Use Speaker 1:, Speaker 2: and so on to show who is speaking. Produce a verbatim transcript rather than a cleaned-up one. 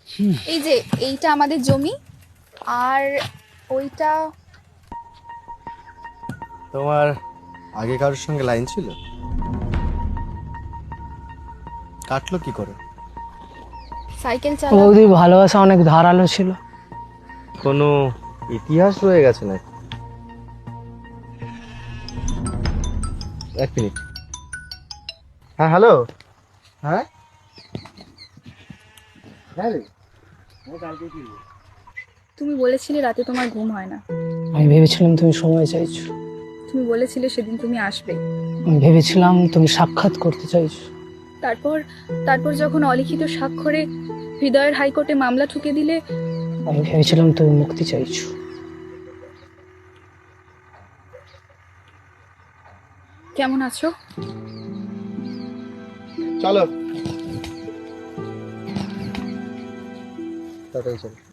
Speaker 1: এই যে এইটা আমাদের জমি, আর ওইটা
Speaker 2: তোমার আগে কারোর সঙ্গে লাইন ছিল? কাটলো কি করে?
Speaker 1: সাইকেল চালা।
Speaker 3: বৌদি ভালোবাসা অনেক ধারালো ছিল।
Speaker 2: কোনো ইতিহাস রয়ে গেছে নাকি? এক মিনিট। হ্যাঁ, হ্যালো। হ্যাঁ,
Speaker 1: তুমি বলেছিলে রাতে তোমার ঘুম হয় না।
Speaker 3: আমি ভেবেছিলাম তুমি সময় চাইছো।
Speaker 1: তুমি বলেছিলে সেদিন তুমি আসবে।
Speaker 3: আমি ভেবেছিলাম তুমি সাক্ষাৎ করতে চাইছো।
Speaker 1: তারপর তারপর যখন অলিখিত স্বাক্ষরে হৃদয়ের হাইকোর্টে মামলা ঠুকে দিলে,
Speaker 3: আমি ভেবেছিলাম তুমি মুক্তি চাইছো।
Speaker 1: কেমন আছো?
Speaker 2: চলো তাড়াতাড়ি চলো।